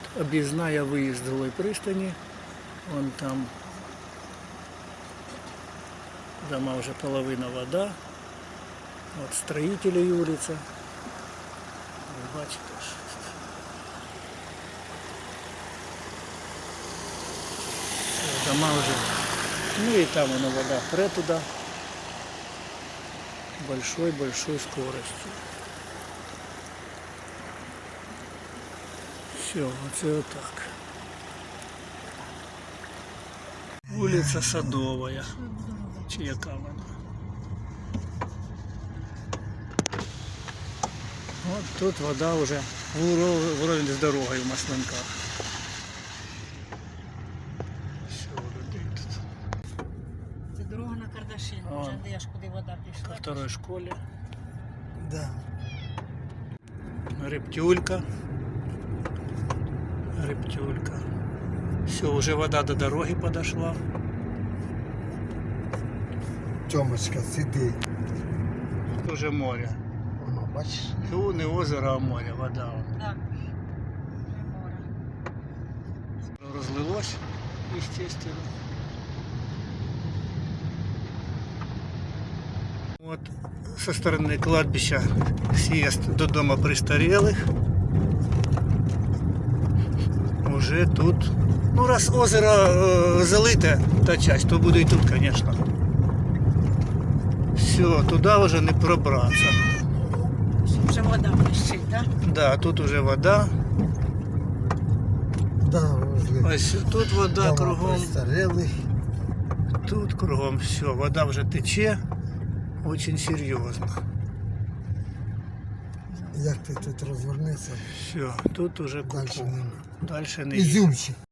объездная выезд с Голой пристани. Вон там дома уже половина вода. Вот строителей улица. Ви бачите, що дома уже. Ну и там оно вода пре туда. Большой скоростью. Все, оце отак. Вулиця Садовая. Чи яка вона? От тут вода вже вровень з дорогою в Маслинках. Все, людей тут. Це дорога на Кардашин, вже де аж куди вода пішла. По второй школі. Да. Рептюлька. Рептюлька. Все, уже вода до дороги подошла. Тьомочка, сиди. Тут уже море. Воно, бачиш? Ну, не озеро, а море, вода. Так, вже море. Розлилось, естественно. Вот со стороны кладбища съезд до дома престарелых. Уже тут. Ну, раз озеро залите, та часть, то буде і тут, конечно. Все, туди вже не пробратися. Вже вода блищить, так? Да, тут уже вода. Да, возле Ось тут вода дома кругом. престарелих. Тут кругом все, вода вже тече. Очень серйозно. Як ти тут розвернешся, Все, тут уже далі нема. дальше не Ізюмчик.